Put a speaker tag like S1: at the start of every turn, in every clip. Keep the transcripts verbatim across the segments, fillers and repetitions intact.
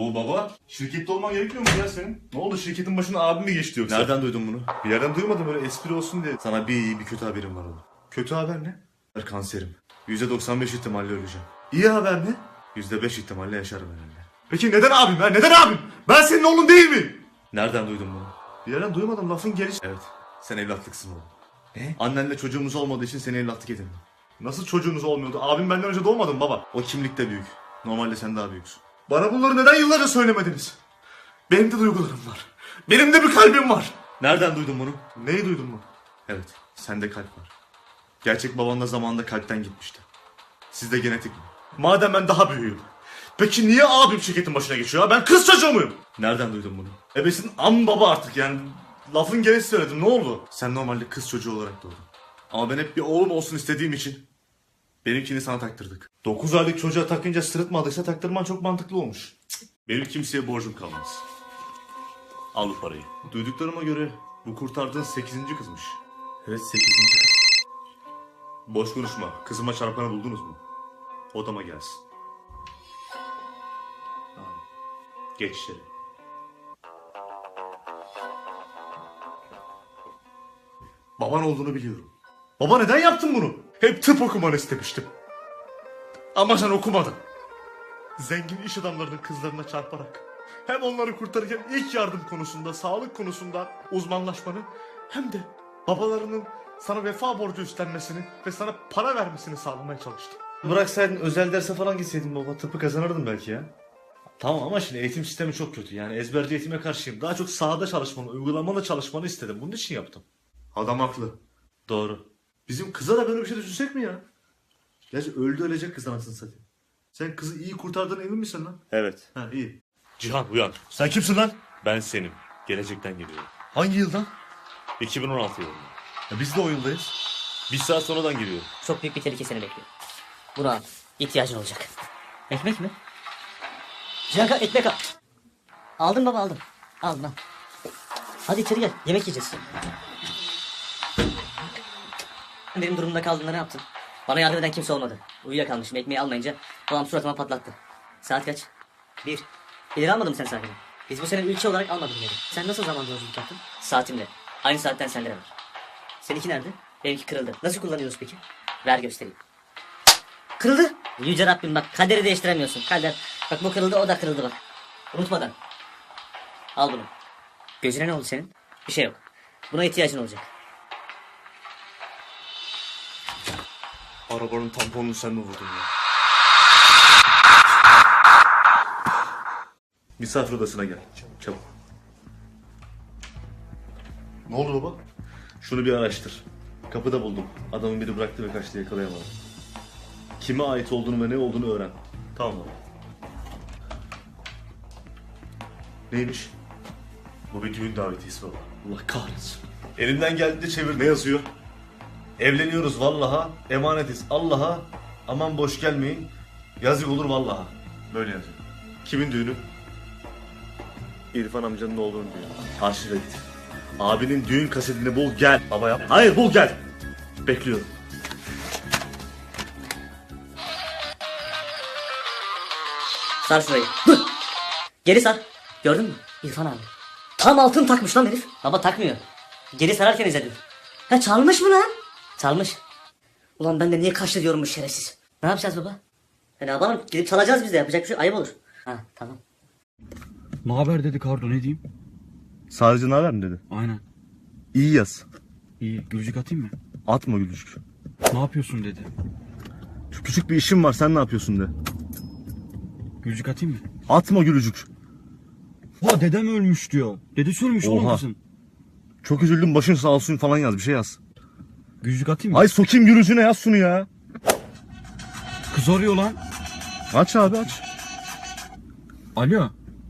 S1: Oo baba, şirkette olman gerekmiyor mu ya senin? Ne oldu, şirketin başına abim mi geçti yoksa?
S2: Nereden duydun bunu?
S1: Bir yerden duymadım, böyle espri olsun diye.
S2: Sana bir iyi bir kötü haberim var oğlum.
S1: Kötü haber ne?
S2: Ben kanserim. yüzde doksan beş ihtimalle öleceğim.
S1: İyi haber ne?
S2: yüzde beş ihtimalle yaşarım herhalde.
S1: Peki neden abim ya? Neden abim? Ben senin oğlun değil miyim?
S2: Nereden duydun bunu?
S1: Bir yerden duymadım, lafın gelişi.
S2: Evet. Sen evlatlıksın oğlum.
S1: Ne?
S2: Annenle çocuğumuz olmadığı için seni evlatlık edindim.
S1: Nasıl çocuğunuz olmuyordu? Abim benden önce doğmadı mı baba?
S2: O kimlikte büyük. Normalde sen daha büyüksün.
S1: Bana bunları neden yıllarca söylemediniz? Benim de duygularım var. Benim de bir kalbim var.
S2: Nereden duydun bunu?
S1: Neyi duydun mu?
S2: Evet. Sende kalp var. Gerçek baban da zamanında kalpten gitmişti. Sizde genetik mi?
S1: Madem ben daha büyüğüm. Peki niye abim şirketin başına geçiyor? Ben kız çocuğu muyum?
S2: Nereden duydun bunu?
S1: Ebesin am baba artık yani. Lafın gelişi söyledim, ne oldu?
S2: Sen normalde kız çocuğu olarak doğdun. Ama ben hep bir oğlum olsun istediğim için benimkini sana taktırdık.
S1: dokuz aylık çocuğa takınca sırıtmadıysa taktırman çok mantıklı olmuş.
S2: Benim kimseye borcum kalmaz. Al bu parayı. Duyduklarıma göre bu kurtardığın sekizinci kızmış.
S1: Evet, sekizinci kız.
S2: Boş konuşma. Kızıma çarpanı buldunuz mu? Odama gelsin. Tamam. Geç içeri.
S1: Baban olduğunu biliyorum. Baba neden yaptın bunu? Hep tıp okumanı istemiştim. Ama sen okumadın. Zengin iş adamlarının kızlarına çarparak hem onları kurtarırken ilk yardım konusunda, sağlık konusunda uzmanlaşmanı hem de babalarının sana vefa borcu üstlenmesini ve sana para vermesini sağlamaya çalıştım.
S2: Bıraksaydın özel derse falan gitseydin baba. Tıpı kazanırdın belki ya. Tamam ama şimdi eğitim sistemi çok kötü. Yani ezberci eğitime karşıyım. Daha çok sahada çalışmanı, uygulamalı çalışmanı istedim. Bunun için yaptım.
S1: Adam haklı.
S2: Doğru.
S1: Bizim kıza da böyle bir şey düşünsek mi ya?
S2: Gerçi öldü ölecek kız anasını satayım.
S1: Sen kızı iyi kurtardığına emin misin lan?
S2: Evet.
S1: Ha, iyi.
S3: Cihan uyan.
S1: Sen kimsin lan?
S3: Ben senim. Gelecekten geliyorum.
S1: Hangi yıldan?
S3: iki bin on altı yılında.
S1: Ya biz de o yıldayız.
S3: Bir saat sonradan geliyorum.
S4: Çok büyük bir tehlike seni bekliyor. Bunu al. İhtiyacın olacak. Ekmek mi? Cihanka ekmek al. Aldım baba aldım. Aldım al. Hadi içeri gel. Yemek yiyeceğiz. Benim durumumda kaldığında ne yaptın? Bana yardım eden kimse olmadı. Uyuyakalmışım. Ekmeği almayınca babam suratıma patlattı. Saat kaç? Bir. İleri almadın mı sen saatini? Biz bu sene ülke olarak almadık ileri. Sen nasıl zaman yolculuk yaptın? Saatimle. Aynı saatten sende de var. Seninki nerede? Benimki kırıldı. Nasıl kullanıyoruz peki? Ver göstereyim. Kırıldı. Yüce Rabbim bak, kaderi değiştiremiyorsun. Kader. Bak bu kırıldı, o da kırıldı bak. Unutmadan. Al bunu. Gözüne ne oldu senin? Bir şey yok. Buna ihtiyacın olacak.
S2: Arabanın tamponunu sen mi vurdun ya? Misafir odasına gel. Çabuk.
S1: Ne oldu baba?
S2: Şunu bir araştır. Kapıda buldum. Adamın biri bıraktı ve kaçtı, yakalayamadım. Kime ait olduğunu ve ne olduğunu öğren.
S1: Tamam baba.
S2: Neymiş?
S1: Bu bir düğün davetiyesi baba.
S2: Allah kahretsin. Elimden geldiğince çevir. Ne yazıyor? Evleniyoruz vallaha, emanetiz Allah'a. Aman boş gelmeyin. Yazık olur vallaha.
S1: Böyle yazıyor.
S2: Kimin düğünü? İrfan amcanın oğlunun düğünü. Arşive git. Abinin düğün kasetini bul gel.
S1: Baba yap.
S2: Hayır bul gel. Bekliyorum.
S4: Sar şurayı. Dur. Geri sar. Gördün mü? İrfan abi. Tam altın takmış lan herif. Baba takmıyor. Geri sararken izledim. Ha çalmış mı lan? Çalmış. Ulan ben de niye kaçtı diyorum bu şerefsiz. Ne yapacağız baba? E ne yapalım? Gidip çalacağız biz de. Yapacak bir şey ayıp olur. Ha tamam.
S5: Ne haber dedi Kardo, ne diyeyim?
S2: Sadece ne haber mi dedi?
S5: Aynen.
S2: İyi yaz.
S5: İyi, gülücük atayım mı?
S2: Atma gülücük.
S5: Ne yapıyorsun dedi.
S2: Şu küçük bir işim var, sen ne yapıyorsun de.
S5: Gülücük atayım mı?
S2: Atma gülücük.
S5: Ha dedem ölmüş diyor. Dedesi ölmüş oğlum
S2: Oha.
S5: kızın.
S2: Çok üzüldüm, başın sağ olsun falan yaz, bir şey yaz.
S5: Gülücük atayım mı?
S2: Ay sokayım gülücüğüne, yaz şunu ya.
S5: Kız arıyor lan.
S2: Aç abi aç.
S5: Alo.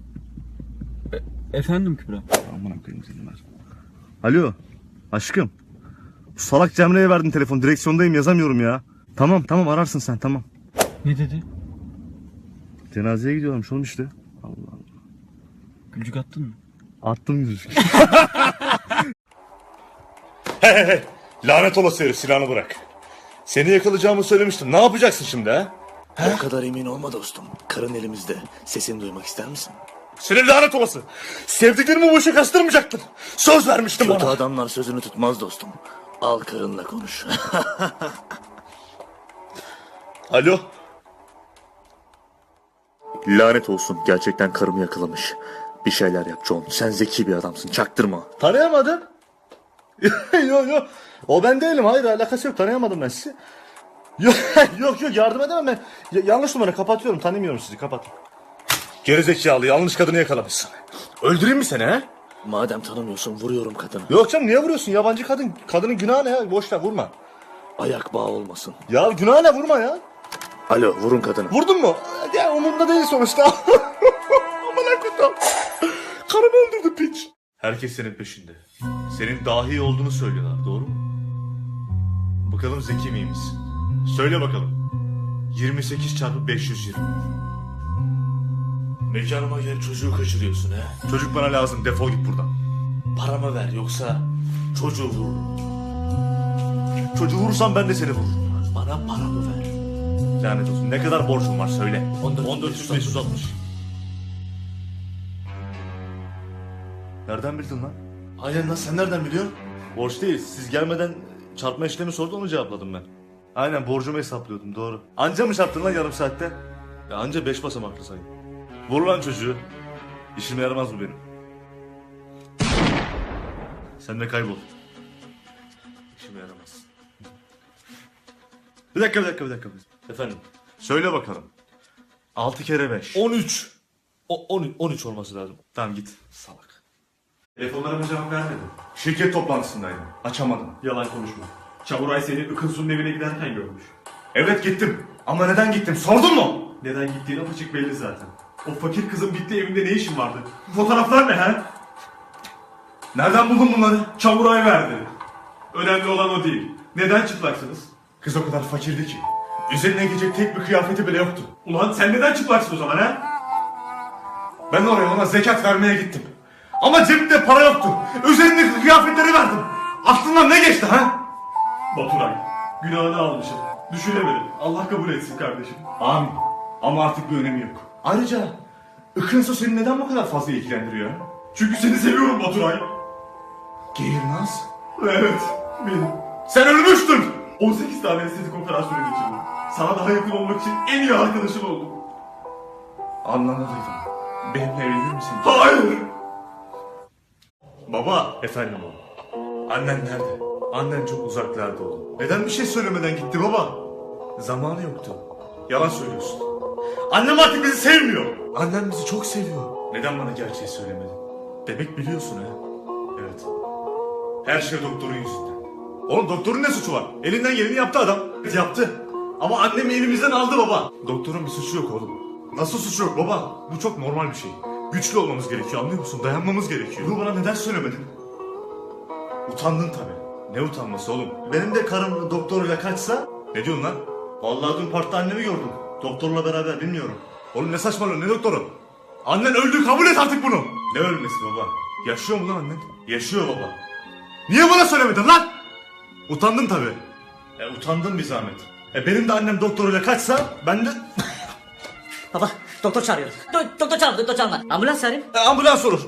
S5: E- efendim Kübra.
S2: Aman koyayım seni ver. Alo aşkım. Bu salak Cemre'ye verdin telefon, direksiyondayım yazamıyorum ya. Tamam tamam ararsın sen, tamam.
S5: Ne dedi?
S2: Cenazeye gidiyorlarmış oğlum işte. Allah Allah.
S5: Gülücük attın mı?
S2: Attım gülücük.
S1: He he he. Lanet olası herif, silahını bırak. Seni yakalayacağımı söylemiştim. Ne yapacaksın şimdi ha?
S6: O kadar emin olma dostum. Karın elimizde. Sesini duymak ister misin?
S1: Senin lanet olası. Sevdiklerimi bu işe kastırmayacaktın. Söz vermiştim
S6: Kötü
S1: bana.
S6: adamlar sözünü tutmaz dostum. Al karınla konuş.
S1: Alo.
S6: Lanet olsun. Gerçekten karımı yakalamış. Bir şeyler yap John. Sen zeki bir adamsın. Çaktırma.
S2: Tanıyamadım. yok yok. O ben değilim. Hayır alakası yok. Tanıyamadım ben sizi. Yok yok yok yardım edemem ben. Ya- yanlış numara kapatıyorum. Tanımıyorum sizi. Kapat.
S1: Gerizekalı yanlış kadını yakalamışsın. Öldüreyim mi seni he?
S6: Madem tanımıyorsun vuruyorum kadını.
S2: Yok canım niye vuruyorsun? Yabancı kadın. Kadının günahı ne ya? Boş ver vurma.
S6: Ayak bağı olmasın.
S2: Ya günahı ne vurma ya?
S6: Alo vurun kadını.
S2: Vurdun mu? Ya umurumda değil sonuçta.
S1: Aman akıllım. Karımı öldürdü piç. Herkes senin peşinde. Senin dahi olduğunu söylüyorlar doğru mu? Bakalım zeki miymiş? Söyle bakalım. yirmi sekiz çarpı beş yüz yirmi.
S6: Mekanıma gel çocuğu kaçırıyorsun he.
S1: Çocuk bana lazım defol git buradan.
S6: Paramı ver yoksa çocuğu vururum.
S1: Çocuğu vurursam ben de seni vururum.
S6: Bana paramı ver.
S1: Lanet olsun ne kadar borcum var söyle.
S6: on dört
S1: on dört yüz beş yüz altmış. Nereden bildin lan?
S2: Aynen lan sen nereden biliyorsun?
S1: Borç değil. Siz gelmeden çarpma işlemi sordu onu cevapladım ben. Aynen borcumu hesaplıyordum doğru. Anca mı çarptın lan yarım saatte? Ya anca beş basamaklı sayın. Vur lan çocuğu. İşime yaramaz bu benim. Sen de kaybol. İşime yaramaz. Bir dakika bir dakika bir dakika.
S3: Efendim?
S1: Söyle bakalım. Altı kere beş.
S3: on üç. O, on, on üç olması lazım.
S1: Tamam git. Salak. Telefonlarıma cevap vermedin. Şirket toplantısındaydım. Açamadım.
S7: Yalan konuşma. Çavuray seni Ikınsu'nun evine giderken görmüş.
S1: Evet gittim. Ama neden gittim sordun mu?
S7: Neden gittiğin apaçık belli zaten. O fakir kızın bitti evinde ne işin vardı? Bu fotoğraflar ne he?
S1: Nereden buldun bunları?
S7: Çavuray verdi. Önemli olan o değil. Neden çıplaksınız?
S1: Kız o kadar fakirdi ki. Üzerine giyecek tek bir kıyafeti bile yoktu.
S7: Ulan sen neden çıplaksın o zaman he?
S1: Ben oraya ona zekat vermeye gittim. Ama cebimde para yoktu. Üzerindeki kıyafetleri verdim. Aklından ne geçti ha?
S7: Baturay, günahını almışım. Düşünemedim. Allah kabul etsin kardeşim.
S1: Amin. Ama artık bir önemi yok. Ayrıca Ikınso seni neden bu kadar fazla ilgilendiriyor?
S7: Çünkü seni seviyorum Baturay.
S1: Geğirmez.
S7: Evet, benim.
S1: Sen ölmüştün.
S7: on sekiz tane estetik operasyonu geçirdim. Sana daha yakın olmak için en iyi arkadaşın oldum.
S1: Anladıydım. Benimle evlenir misin?
S7: Hayır!
S1: Baba. Efendim oğlum. Annen nerede? Annen çok uzaklarda oğlum. Neden bir şey söylemeden gitti baba? Zamanı yoktu. Yalan söylüyorsun. Annem artık bizi sevmiyor. Annem bizi çok seviyor. Neden bana gerçeği söylemedin? Demek biliyorsun ha. Evet. Her şey doktorun yüzünden. Oğlum doktorun ne suçu var? Elinden geleni yaptı adam. Evet, yaptı. Ama annemi elimizden aldı baba. Doktorun bir suçu yok oğlum. Nasıl suçu yok baba? Bu çok normal bir şey. Güçlü olmamız gerekiyor anlıyor musun? Dayanmamız gerekiyor. Bunu bana neden söylemedin? Utandın tabii. Ne utanması oğlum? Benim de karım doktoruyla kaçsa... Ne diyorsun lan? Vallahi dün parkta annemi gördüm. Doktorla beraber bilmiyorum. Oğlum ne saçmalıyorsun ne doktoru? Annen öldü kabul et artık bunu. Ne ölmesi baba? Yaşıyor mu lan annen? Yaşıyor baba. Niye bana söylemedin lan? Utandın tabii. E utandın bir zahmet. E benim de annem doktoruyla kaçsa ben de...
S4: Baba doktor çağırıyor. Do- doktor çağırma doktor çağırma. Ambulans çağırayım.
S1: E, ambulans olur.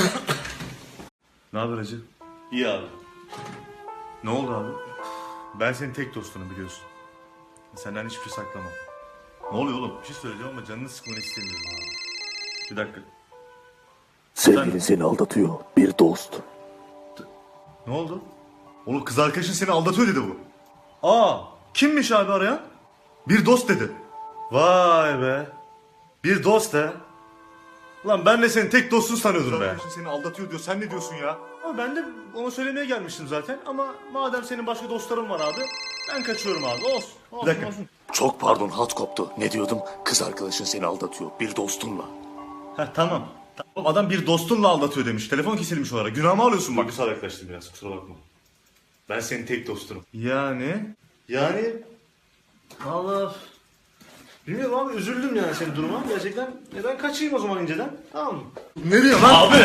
S1: Ne haber hacı?
S3: İyi abi.
S1: Ne oldu abi? Ben senin tek dostunum biliyorsun. Senden hiçbir şey saklamam. Ne oluyor oğlum? Bir şey söyleyeceğim ama canını sıkmanı istemiyorum abi. Bir dakika.
S6: Sevgilin seni aldatıyor. Bir dost.
S1: Ne oldu? Oğlum kız arkadaşın seni aldatıyor dedi bu. Aa, kimmiş abi arayan? Bir dost dedi. Vay be. Bir dost he. Lan ben de senin tek dostun sanıyordum be. Arkadaşın seni aldatıyor diyor. Sen ne diyorsun ya? Ama ben de ona söylemeye gelmiştim zaten. Ama madem senin başka dostların var abi. Ben kaçıyorum abi. Olsun. olsun
S6: Bir dakika.
S1: olsun.
S6: Çok pardon hat koptu. Ne diyordum? Kız arkadaşın seni aldatıyor. Bir dostunla.
S1: Heh, tamam. Tamam, adam bir dostunla aldatıyor demiş. Telefon kesilmiş olarak. Günahımı alıyorsun bak.
S3: Duygusal yaklaştım biraz kusura bakma. Ben senin tek dostunum.
S1: Yani?
S2: Yani Allah bilmiyorum abi üzüldüm yani senin duruma. Gerçekten neden kaçayım o zaman inceden? Tamam mı?
S1: Nereye lan?
S3: Abi!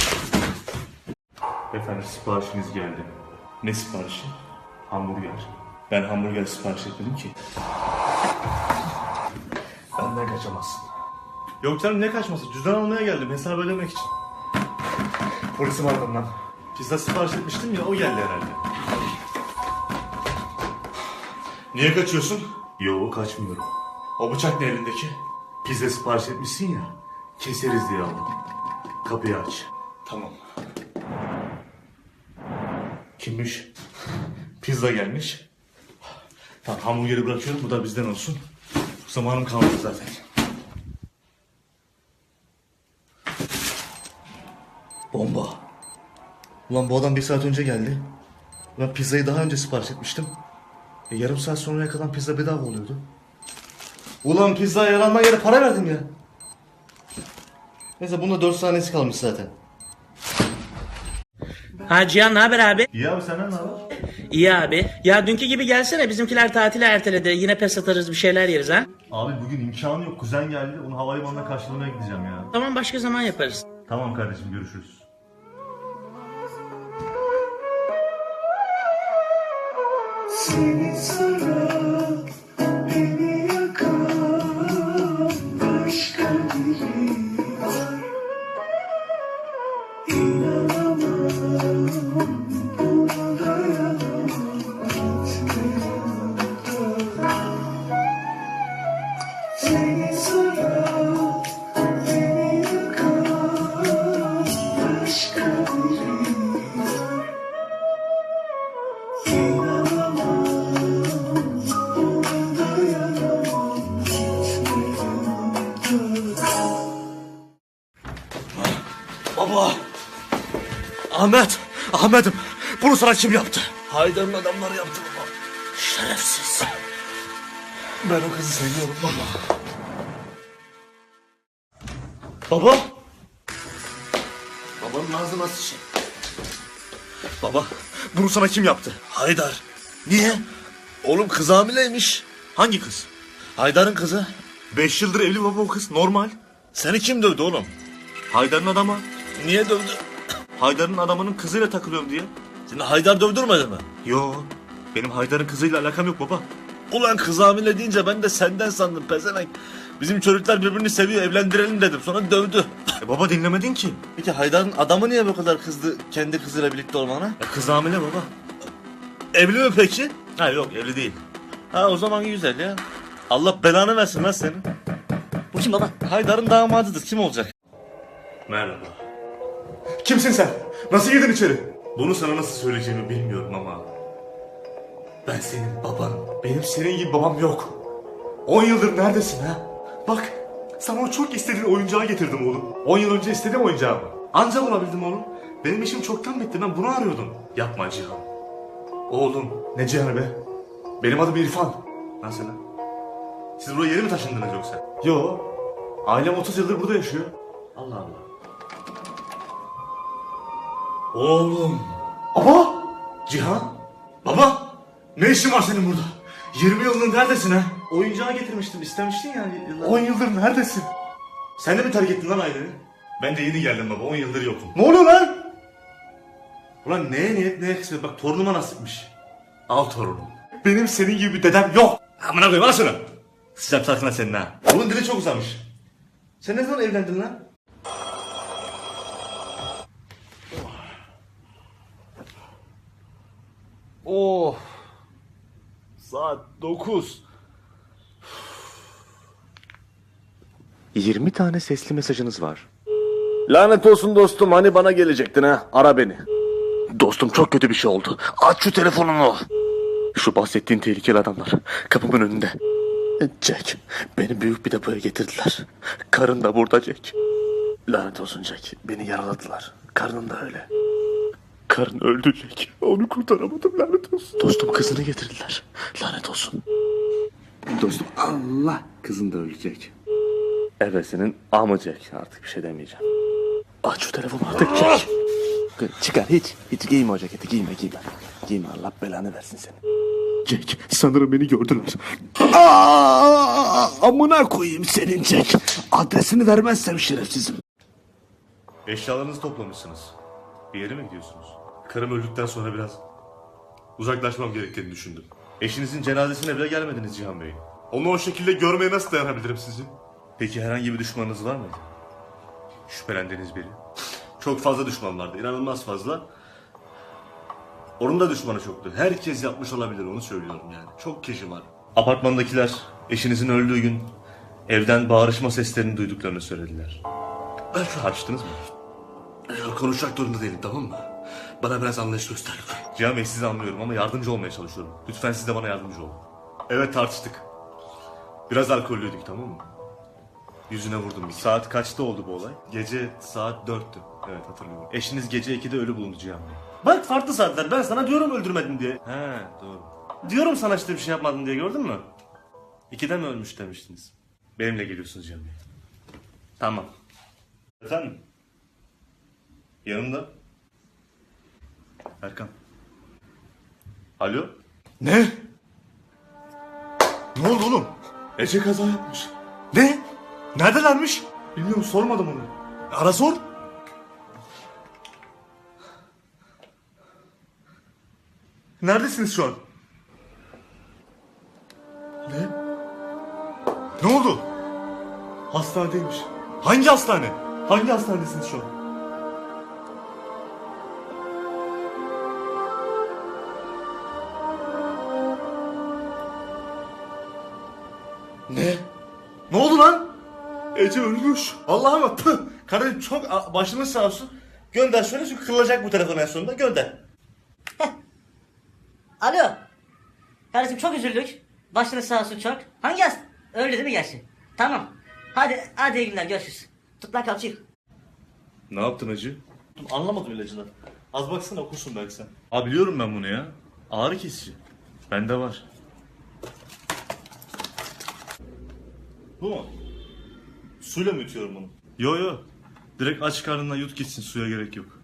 S1: Efendim siparişiniz geldi. Ne siparişi? Hamburger. Ben hamburger sipariş etmedim ki. benden kaçamazsın.
S2: Yok canım ne kaçması? Cüzdan almaya geldim hesap ödemek için.
S1: Polisi var lan.
S2: Pizza sipariş etmiştim ya o geldi herhalde.
S1: Niye kaçıyorsun?
S3: Yo kaçmıyorum.
S1: O bıçak ne elindeki?
S3: Pizza sipariş etmişsin ya. Keseriz diye aldım. Kapıyı aç.
S1: Tamam. Kimmiş? Pizza gelmiş. Tamam hamburgeri bırakıyorum bu da bizden olsun. Zamanım kalmadı zaten.
S2: Bomba. Ulan bu adam bir saat önce geldi. Ben pizzayı daha önce sipariş etmiştim. E, yarım saat sonraya kadar pizza bedava oluyordu. Ulan pizzaya yalandan yere para verdim ya. Neyse bunda dört saniyesi kalmış zaten.
S8: Ha Cihan ne haber abi?
S2: İyi abi senden ne haber?
S8: İyi abi. Ya dünkü gibi gelsene bizimkiler tatile erteledi. Yine pes atarız bir şeyler yeriz ha.
S2: Abi bugün imkanı yok. Kuzen geldi. Onu havalimanına karşılamaya gideceğim ya.
S8: Tamam başka zaman yaparız.
S2: Tamam kardeşim görüşürüz.
S1: Baba! Ahmet! Ahmet'im! Bunu sana kim yaptı?
S2: Haydar'ın adamları yaptı baba.
S1: Şerefsiz. Ben o kızı seviyorum baba. Baba!
S2: Babanın ağzı nasıl şey?
S1: Baba, bunu sana kim yaptı?
S2: Haydar. Niye? Oğlum kız hamileymiş.
S1: Hangi kız?
S2: Haydar'ın kızı.
S1: Beş yıldır evli baba o kız, normal.
S2: Seni kim dövdü oğlum?
S1: Haydar'ın adamı.
S2: Niye dövdü?
S1: Haydar'ın adamının kızıyla takılıyorum diye.
S2: Seni Haydar dövdürmedi mi?
S1: Yo, benim Haydar'ın kızıyla alakam yok baba.
S2: Ulan kız hamile deyince ben de senden sandım pezevenk. Bizim çocuklar birbirini seviyor evlendirelim dedim sonra dövdü.
S1: E baba dinlemedin ki.
S2: Peki Haydar'ın adamı niye bu kadar kızdı kendi kızıyla birlikte olmana?
S1: E kız hamile baba.
S2: Evli mi peki?
S1: Ha yok evli değil.
S2: Ha o zaman güzel ya. Allah belanı versin lan senin.
S4: Bu kim baba?
S2: Haydar'ın damadıdır kim olacak?
S3: Merhaba.
S1: Kimsin sen? Nasıl girdin içeri?
S3: Bunu sana nasıl söyleyeceğimi bilmiyorum ama
S1: Ben senin babanım. Benim senin gibi babam yok. On yıldır neredesin ha? Bak sana o çok istediğin oyuncağı getirdim oğlum. On yıl önce istediğim oyuncağımı. Anca bulabildim oğlum. Benim işim çoktan bitti ben bunu arıyordum.
S3: yapma Cihan.
S1: Oğlum ne Cihan'ı be? Benim adım İrfan.
S3: Nasıl lan? Siz buraya yeni mi taşındınız yoksa?
S1: Yo. Ailem otuz yıldır burada yaşıyor.
S3: Allah Allah.
S1: Oğlum. Baba. Cihan. Baba. Ne işin var senin burada? yirmi yıldır neredesin ha?
S2: Oyuncağı getirmiştim istemiştin ya yıllar.
S1: on yıldır neredesin?
S3: Sen de mi terk ettin lan aileni? Ben de yeni geldim baba. on yıldır yokum.
S1: Ne oluyor lan?
S2: Ulan neye niyet neye kısmet bak torunuma nasipmiş.
S3: Al torunum.
S1: Benim senin gibi bir dedem yok.
S3: Amına koyayım al şunu. Sıcak sarkına senin ha.
S2: Oğlum dili çok uzamış. Sen ne zaman evlendin lan?
S1: Oh. Saat dokuz.
S6: yirmi tane sesli mesajınız var.
S9: Lanet olsun dostum hani bana gelecektin ha ara beni.
S6: Dostum çok kötü bir şey oldu. Aç şu telefonunu. Şu bahsettiğin tehlikeli adamlar kapımın önünde. Jack, beni büyük bir depoya getirdiler. Karın da burada Jack. Lanet olsun Jack, beni yaraladılar. Karnın da öyle. Karın öldü Jack. Onu kurtaramadım lanet olsun. Dostum kızını getirdiler. Lanet olsun. Dostum Allah kızın da ölecek. Evet senin ama Jack artık bir şey demeyeceğim. Aç şu telefonu artık Jack. Çıkar hiç. Hiç giyme o ceketi giyme giyme. Giyme Allah belanı versin seni. Jack sanırım beni gördüler. Aa, amına koyayım senin Jack. Adresini vermezsem şerefsizim.
S3: Eşyalarınızı toplamışsınız. Bir yere mi gidiyorsunuz? Karım öldükten sonra biraz uzaklaşmam gerektiğini düşündüm. Eşinizin cenazesine bile gelmediniz Cihan Bey. Onu o şekilde görmeye nasıl dayanabilirim sizi? Peki herhangi bir düşmanınız var mıydı? Şüphelendiğiniz biri. Çok fazla düşman vardı. İnanılmaz fazla. Onun da düşmanı çoktu. Herkes yapmış olabilir, onu söylüyorum yani. Çok kişi var. Apartmandakiler eşinizin öldüğü gün evden bağırışma seslerini duyduklarını söylediler. Tartıştınız mı?
S1: Konuşacak durumda değilim, tamam mı? Bana biraz anlayış göster.
S3: Cihan Bey, sizi anlıyorum ama yardımcı olmaya çalışıyorum. Lütfen siz de bana yardımcı olun. Evet, tartıştık. Biraz alkollüydük, tamam mı? Yüzüne vurdum bir. Saat kaçta oldu bu olay? Gece saat dörttü. Evet, hatırlıyorum. Eşiniz gece ikide ölü bulundu Cihan Bey. Bak, farklı saatler. Ben sana diyorum öldürmedin diye. He, doğru. Diyorum sana işte bir şey yapmadın diye, gördün mü? İkide mi ölmüş demiştiniz? Benimle geliyorsunuz Cihan Bey. Tamam. Efendim? Yanımda. Erkan. Alo?
S1: Ne? Ne oldu oğlum?
S3: Ece kaza yapmış.
S1: Ne? Neredelermiş?
S3: Bilmiyorum, sormadım onu.
S1: Ara sor.
S3: Neredesiniz şu an?
S1: Ne? Ne oldu?
S3: Hastanedeymiş.
S1: Hangi hastane?
S3: Hangi hastanedesiniz şu an?
S1: Ne? Ne oldu lan?
S3: Ece ölmüş.
S1: Allah'ım püh. Kardeşim çok a- başımız sağ olsun. Gönder şöyle çünkü kırılacak bu telefon en sonunda. Gönder.
S4: Alo. Kardeşim çok üzüldük. Başınız sağ olsun çok. Hangi hasta? Öyle değil mi gerçi? Tamam. Hadi hadi iyi günler, görüşürüz. Tut lan kalçayı.
S3: Ne yaptın Ece?
S1: Anlamadım ilacını. Az baksana okursun belki sen.
S3: Aa, biliyorum ben bunu ya. Ağrı kesici. Bende var.
S1: Bu mu? Suyla mı yutuyorum bunu?
S3: Yo yo. Direkt aç karnına yut gitsin, suya gerek yok.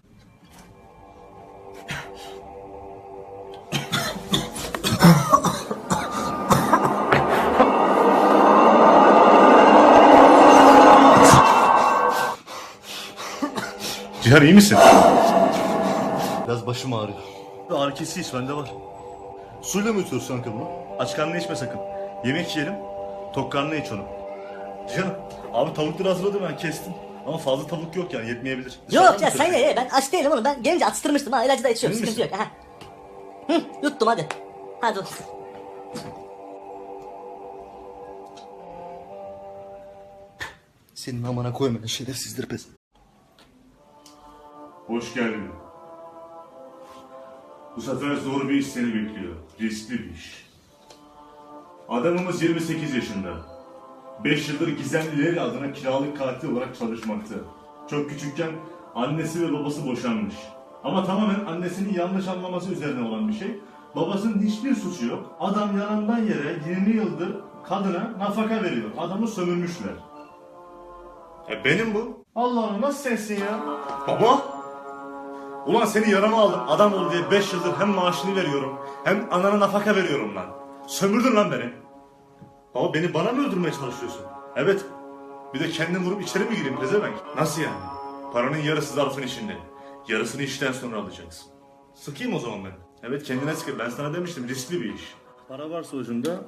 S3: Cihan, iyi misin?
S1: Biraz başım ağrıyor.
S3: Ağrı kesici iç, bende var.
S1: Suyla mı yutuyorsun kanka bunu?
S3: Aç karnına içme sakın. Yemek yiyelim. Tok karnına iç onu. Cihan, abi tavukları hazırladım, ben kestim. Ama fazla tavuk yok yani, yetmeyebilir.
S4: Yok ya sen ye ye, ben aç değilim oğlum, ben gelince atıştırmıştım ha, ilacı da içiyorum,
S3: Emin
S4: sıkıntı yok. Aha. Hı, yuttum hadi. Hadi otur.
S2: Senin amana koyma şerefsizdir pes.
S3: Hoş geldin. Bu sefer zor bir iş seni bekliyor. Riskli bir iş. Adamımız yirmi sekiz yaşında. beş yıldır gizemlileri adına kiralık katil olarak çalışmakta. Çok küçükken annesi ve babası boşanmış. Ama tamamen annesinin yanlış anlaması üzerine olan bir şey. Babasının hiçbir suçu yok. Adam yanından yere yirmi yıldır kadına nafaka veriyor. Adamı sömürmüşler. E benim bu. Allah Allah, nasıl sensin ya? Baba! Ulan seni yarama aldım, adam ol diye beş yıldır hem maaşını veriyorum hem anana nafaka veriyorum lan. Sömürdün lan beni. Baba, beni bana mı öldürmeye çalışıyorsun? Evet. Bir de kendini vurup içeri mi gireyim pezevenk? Nasıl yani? Paranın yarısı zarfın içinde. Yarısını işten sonra alacaksın. Sıkayım o zaman ben. Evet, kendine sıkı. Ben sana demiştim, riskli bir iş. Para varsa ucunda.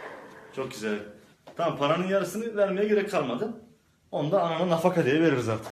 S3: Çok güzel. Tamam, paranın yarısını vermeye gerek kalmadı. Onu da anana nafaka diye veririz artık.